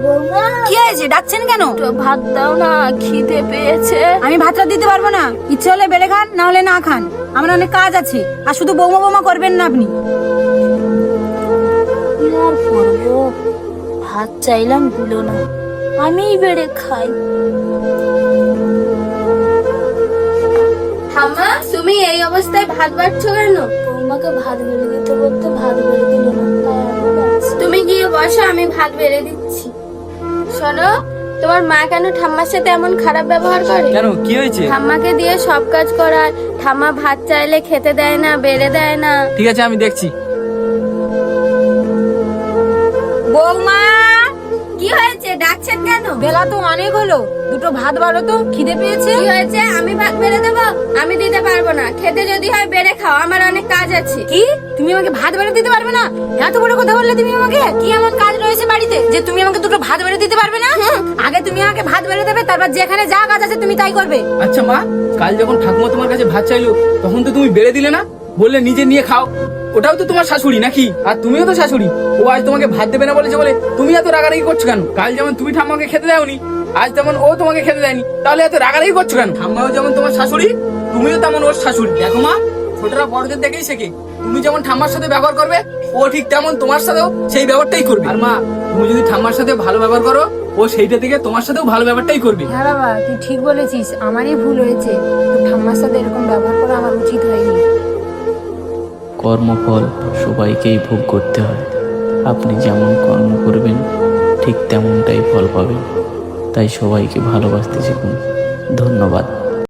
কি হয়েছে, ডাকছেন কেন? ভাত দাও না, খিদে পেয়েছে। আমি ভাতটা দিতে পারবো না। ইচ্ছে হলে বেড়ে খান, না হলে না খান। আমার অনেক কাজ আছে। আর শুধু বৌমা বৌমা করবেন না আপনি। কি আর করবো, ভাত চাইলাম দিল না, আমিই বেড়ে খাই। ঠাম্মা, তুমি এই অবস্থায় ভাত বাড়ছো কেন? বৌমাকে ভাত বেড়ে দিতে বলতে ভাত বেড়ে দিল না, তাই আমি বাড়ছি। তুমি গিয়ে বসো, আমি ভাত বেড়ে দিচ্ছি। শোনো, তোমার মা কেন ঠাম্মার সাথে এমন খারাপ ব্যবহার করে? কেন, কি হয়েছে? ঠাম্মাকে দিয়ে সব কাজ করায়, ঠাম্মা ভাত চাইলে খেতে দেয় না, বেড়ে দেয় না। ঠিক আছে, আমি দেখছি। বৌমা, কি হয়েছে, ডাকছেন কেন? বেলা তো অনেক হলো, দুটো ভাত বাড়ো তো, খিদে পেয়েছে। কি হয়েছে, আমি ভাত বেড়ে দেবো? আমি দিতে পারবো না। খেতে যদি হয় বেড়ে খাও, আমার অনেক কাজ আছে। কি, তুমি আমাকে ভাত বেড়ে দিতে পারবে না? এত বড় কথা বললে তুমি আমাকে। কি এমন কাজ রয়েছে বাড়িতে যে তুমি আমাকে দুটো ভাত বেড়ে দিতে পারবে না? আগে তুমি আমাকে ভাত বেড়ে দেবে, তারপর যেখানে যা কাজ আছে তুমি তাই করবে। আচ্ছা মা, কাল যখন ঠাকুমা তোমার কাছে ভাত চাইলো তখন তো তুমি বেড়ে দিলে না, বললে নিজে নিয়ে খাও। ওটাও তো তোমার শাশুড়ি নাকি? আর তুমিও তো শাশুড়ি। ও আজ তোমাকে ভাত দেবে না বলেছে বলে তুমি এত রাগারাগি করছো কেন? কাল যেমন তুমি ঠাম্মাকে খেতে দাওনি, আজ তেমন ও তোমাকে খেতে দেয়নি, তাহলে এত রাগারাগি করছো কেন? ঠাম্মাও যেমন তোমার শাশুড়ি, তুমিও তেমন ওর শাশুড়ি। দেখো মা, ছোটরা বড়দের দেখেই শেখে। তুমি যেমন ঠাম্মার সাথে ব্যবহার করবে, ও ঠিক তেমন তোমার সাথেও সেই ব্যবহারটাই করবে। আর মা, তুমি যদি ঠাম্মার সাথে ভালো ব্যবহার করো, ও সেইটা থেকে তোমার সাথেও ভালো ব্যবহারটাই করবে। হ্যাঁ বাবা, তুই ঠিক বলেছিস, আমারই ভুল হয়েছে। তোর ঠাম্মার সাথে এরকম ব্যবহার করা আমার উচিত হয়নি। কর্মফল সবাইকেই ভোগ করতে হয়। আপনি যেমন কর্ম করবেন ঠিক তেমনটাই ফল পাবেন। তাই সবাইকে ভালোবাসতে শিখুন। ধন্যবাদ।